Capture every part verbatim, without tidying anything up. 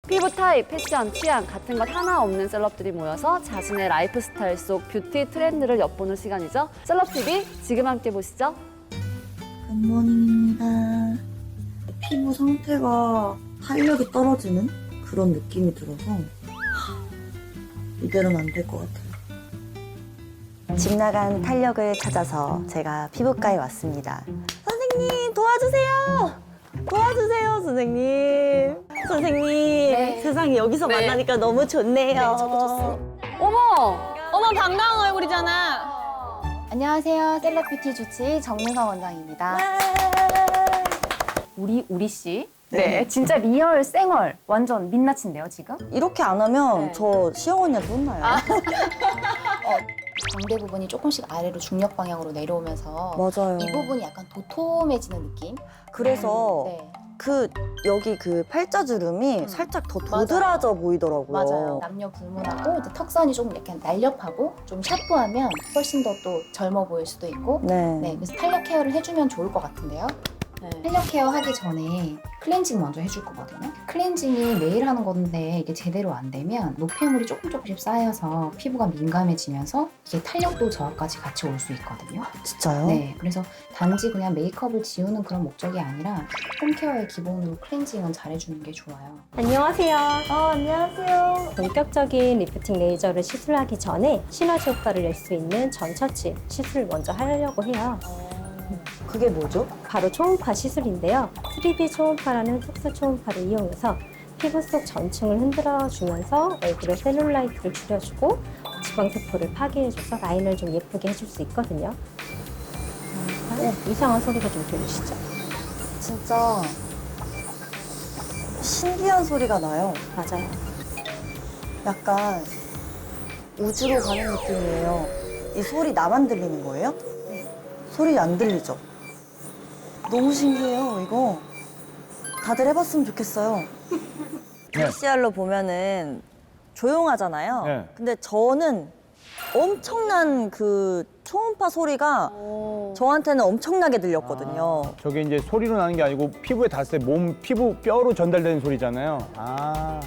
피부 타입, 패션, 취향 같은 것 하나 없는 셀럽들이 모여서 자신의 라이프 스타일 속 뷰티 트렌드를 엿보는 시간이죠. 셀럽티비 지금 함께 보시죠. 굿모닝입니다. 피부 상태가 탄력이 떨어지는 그런 느낌이 들어서 이대로는 안 될 것 같아요. 집 나간 탄력을 찾아서 제가 피부과에 왔습니다. 선생님 도와주세요. 도와주세요 선생님. 선생님 네. 세상에 여기서 네. 만나니까 너무 좋네요. 어머! 어머 반가운 얼굴이잖아. 안녕하세요. 셀럽뷰티 주치 정민서 원장입니다. 우리 우리 씨. 네, 진짜 리얼 쌩얼 완전 민낯인데요 지금? 이렇게 안 하면 네. 저 시영 언니한테 혼나요. 광대 부분이 조금씩 아래로 중력 방향으로 내려오면서 맞아요. 이 부분이 약간 도톰해지는 느낌? 그래서 네, 그 여기 그 팔자주름이 음. 살짝 더 도드라져 보이더라고요. 맞아요. 남녀 불문하고 이제 턱선이 조금 이렇게 날렵하고 좀 샤프하면 훨씬 더 또 젊어 보일 수도 있고 네. 네, 그래서 탄력 케어를 해주면 좋을 것 같은데요. 네. 탄력 케어 하기 전에 클렌징 먼저 해줄 거거든요. 클렌징이 매일 하는 건데 이게 제대로 안 되면 노폐물이 조금 조금씩 쌓여서 피부가 민감해지면서 이게 탄력도 저하까지 같이 올 수 있거든요. 진짜요? 네, 그래서 단지 그냥 메이크업을 지우는 그런 목적이 아니라 홈케어의 기본으로 클렌징은 잘해주는 게 좋아요. 안녕하세요. 어, 안녕하세요. 본격적인 리프팅 레이저를 시술하기 전에 시너지 효과를 낼 수 있는 전처치 시술을 먼저 하려고 해요. 그게 뭐죠? 바로 초음파 시술인데요. 쓰리디 초음파라는 특수 초음파를 이용해서 피부 속 전층을 흔들어주면서 얼굴의 셀룰라이트를 줄여주고 지방세포를 파괴해줘서 라인을 좀 예쁘게 해줄 수 있거든요. 어, 이상한 소리가 좀 들리시죠? 진짜 신기한 소리가 나요. 맞아요. 약간 우주로 가는 느낌이에요. 이 소리 나만 들리는 거예요? 소리 안 들리죠? 너무 신기해요, 이거. 다들 해봤으면 좋겠어요. 피씨알로 보면은 조용하잖아요. 네. 근데 저는 엄청난 그 초음파 소리가 저한테는 엄청나게 들렸거든요. 저게 이제 소리로 나는 게 아니고 피부에 닿았을 때 몸 피부 뼈로 전달되는 소리잖아요. 아,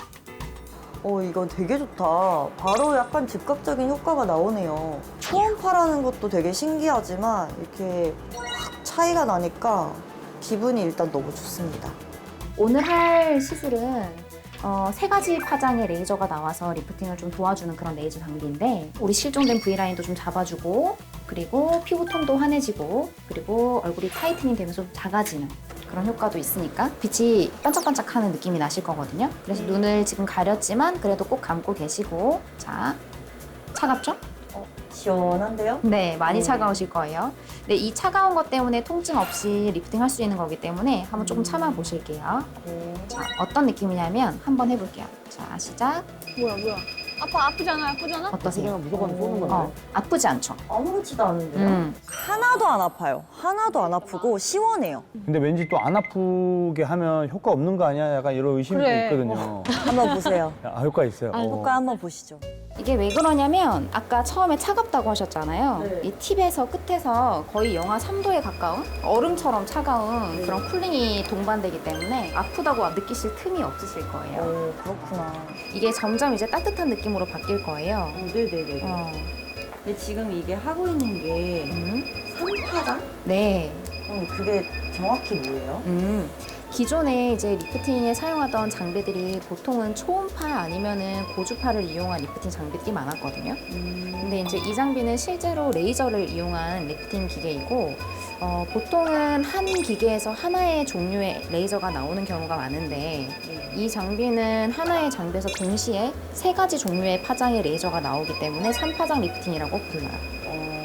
어, 이거 되게 좋다. 바로 약간 즉각적인 효과가 나오네요. 초음파라는 것도 되게 신기하지만 이렇게 확 차이가 나니까 기분이 일단 너무 좋습니다. 오늘 할 시술은 어, 세 가지 파장의 레이저가 나와서 리프팅을 좀 도와주는 그런 레이저 장비인데 우리 실종된 V라인도 좀 잡아주고 그리고 피부톤도 환해지고 그리고 얼굴이 타이트닝 되면서 좀 작아지는 그런 효과도 있으니까 빛이 반짝반짝하는 느낌이 나실 거거든요. 그래서 눈을 지금 가렸지만 그래도 꼭 감고 계시고 자, 차갑죠? 시원한데요? 네, 많이 음. 차가우실 거예요. 네, 이 차가운 것 때문에 통증 없이 리프팅 할 수 있는 거기 때문에 한번 조금 참아 보실게요. 자, 어떤 느낌이냐면 한번 해볼게요. 자, 시작. 뭐야 뭐야. 아파 아프잖아 아프잖아. 어떠세요? 무조건 쏘는 건데. 어, 아프지 않죠? 아무렇지도 않은데요? 음. 하나도 안 아파요. 하나도 안 아프고 시원해요. 근데 왠지 또 안 아프게 하면 효과 없는 거 아니야? 약간 이런 의심이 그래. 있거든요. 한번 보세요. 아, 효과 있어요. 어. 효과 한번 보시죠. 이게 왜 그러냐면 아까 처음에 차갑다고 하셨잖아요. 네. 이 팁에서 끝에서 거의 영하 삼 도에 가까운 얼음처럼 차가운 네. 그런 쿨링이 동반되기 때문에 아프다고 느끼실 틈이 없으실 거예요. 오, 그렇구나. 이게 점점 이제 따뜻한 느낌으로 바뀔 거예요. 네네네. 어. 근데 지금 이게 하고 있는 게 음. 삼파장? 네. 그럼 그게 정확히 뭐예요? 음. 기존에 이제 리프팅에 사용하던 장비들이 보통은 초음파 아니면은 고주파를 이용한 리프팅 장비들이 많았거든요. 근데 이제 이 장비는 실제로 레이저를 이용한 리프팅 기계이고, 어, 보통은 한 기계에서 하나의 종류의 레이저가 나오는 경우가 많은데, 이 장비는 하나의 장비에서 동시에 세 가지 종류의 파장의 레이저가 나오기 때문에 삼파장 리프팅이라고 불러요.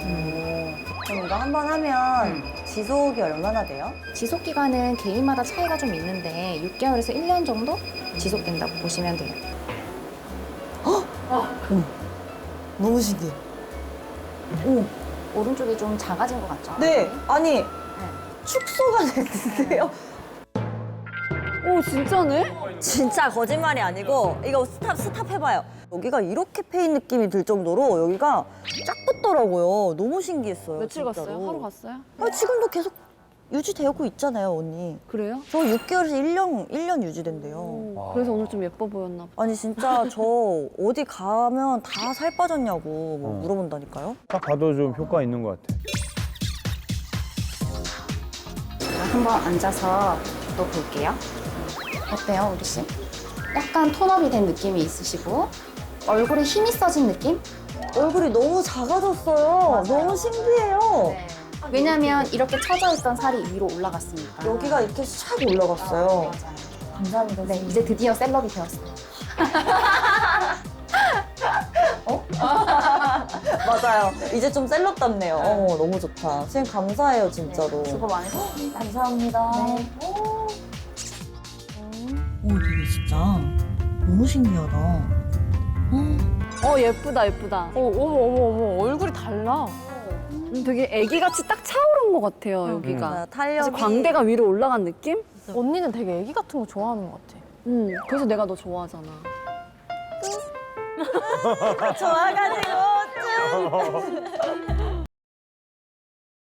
그럼 이거 한 번 하면 음. 지속이 얼마나 돼요? 지속 기간은 개인마다 차이가 좀 있는데 육 개월에서 일 년 정도 지속된다고 보시면 돼요. 너무 신기해. 오, 오른쪽이 좀 작아진 것 같죠? 네. 아니, 축소가 됐는데요? 오, 진짜네? 진짜 거짓말이 아니고 이거 스탑, 스탑 해봐요. 여기가 이렇게 패인 느낌이 들 정도로 여기가 쫙 붙더라고요. 너무 신기했어요. 며칠 진짜로. 갔어요? 하루 갔어요? 아, 지금도 계속 유지되고 있잖아요, 언니. 그래요? 저 육 개월에서 일 년, 일 년 유지된대요. 와. 그래서 오늘 좀 예뻐 보였나 봐. 아니, 진짜 저 어디 가면 다 살 빠졌냐고 뭐 어. 물어본다니까요. 딱 봐도 좀 효과 있는 것 같아. 한번 앉아서 또 볼게요. 어때요, 우리 씨? 약간 톤업이 된 느낌이 있으시고 얼굴에 힘이 써진 느낌? 얼굴이 너무 작아졌어요. 너무 신기해요. 왜냐면 이렇게 처져 있던 살이 위로 올라갔으니까. 여기가 이렇게 샥 올라갔어요. 감사합니다. 네, 이제 드디어 셀럽이 되었어요. 맞아요. 이제 좀 셀럽답네요. 어, 너무 좋다. 선생님 감사해요, 진짜로. 수고 많으셨습니다. 감사합니다. 네. 오, 되게 진짜 너무 신기하다. 어, 예쁘다, 예쁘다. 어, 어머, 어머, 어머. 얼굴이 달라. 음, 되게 애기같이 딱 차오른 것 같아요, 여기가. 아, 그래서 탄력이 광대가 위로 올라간 느낌? 언니는 되게 애기 같은 거 좋아하는 것 같아. 음, 그래서 내가 너 좋아하잖아. 좋아가지고 쭉.